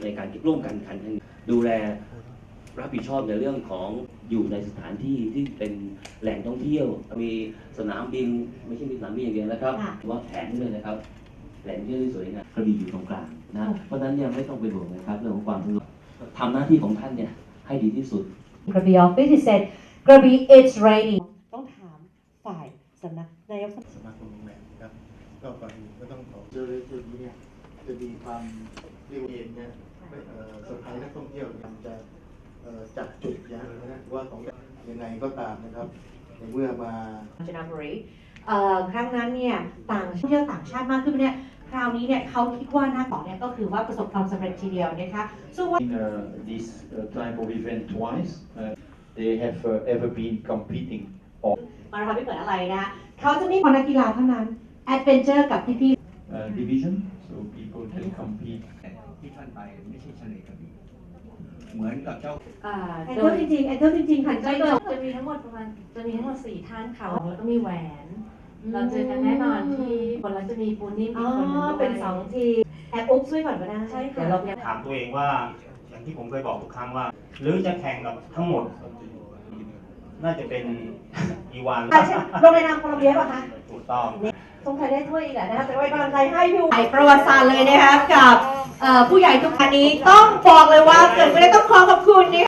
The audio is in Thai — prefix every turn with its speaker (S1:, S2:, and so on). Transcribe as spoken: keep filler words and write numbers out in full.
S1: ในการร่วมกันขันดูแลรับผิดชอบในเรื่องของอยู่ในสถานที่ที่เป็นแหล่งท่องเที่ยวมีสนามบินไม่ใช่มีสนามบินอย่างเดียวนะครับว่าแผนด้วยนะครับแหล่งเที่ยวที่สวยงามกระบี่อยู่ตรงกลางนะเพราะฉะนั้นยังไม่ต้องเป็นห่วงนะครับเรื่องของความสะดวกทำหน้าที่ของท่านเนี่ยให้ดีที่สุด
S2: กระบี่ office is said กระบี่ it's raining ต้องถามฝ่ายสำนักนายก
S3: สมาคมโรงแรมครับก็ก่อนอื่นก็ต้องขอเจอเลยจุดนี้เนี่ยจะมีความเรียกว่าเองเนี่ยเซอร์ไพรส์นักท่องเที่ยวมันจะจัดจุดอย่างนะว่าของยังไงก็ตามนะครับในเมื่อมา
S2: จนบุรีครั้งนั้นเนี่ยต่างเที่ยวต่างชาติมากขึ้นเนี่ยคราวนี้เนี่ยเขาคิดว่าหน้าของเนี่ยก็คือว่าประสบความสำเร็จทีเดียวนะคะซึ่งว่า
S4: In uh, this uh, type of event twice, uh, they have uh, ever been competing on
S2: มาราธอนไม่เหมือนอะไรนะเขาจะมีคนนักกีฬาเท่านั้นแอดเวนเจอร์กับพี่ๆ
S4: uh, division, so people can compete.
S5: ที่ท่านไปไม่ใช่เฉลยกระบี่เหมือนกับเจ้า
S2: แอดเทิลจริงๆแอดเทิลจริงๆค่ะใจ
S6: จะจะมีทั้งหมดประมาณจะมีทั้งหมดสี่ท่านค่ะแล้วก็มีแหวนเราเจอกันแน่นอนที่คนเราจะมีปูนิ่มอีกคนนึง
S2: เป็นสองทีแอบอุ๊บช่วยก่อนก็ได้
S6: ใช่ค่ะ
S7: ถามตัวเองว่าอย่างที่ผมเคยบอกทุกครั้งว่าหรือจะแข่งกับทั้งหมดน่าจะเป็นอีวาน
S2: ลงในนามโคลัมเบียป่ะคะ
S7: ถูกต้อง
S2: สงสัยได้ถ้วยอีกแหละนะคะแต่ไว้กำลังใจให้พี่ใหญ่ประวัติศาสตร์เลยนะคะกับผู้ใหญ่ทุกท่านนี้ต้องบอกเลยว่าเกิดไม่ได้ต้องขอขอบคุณ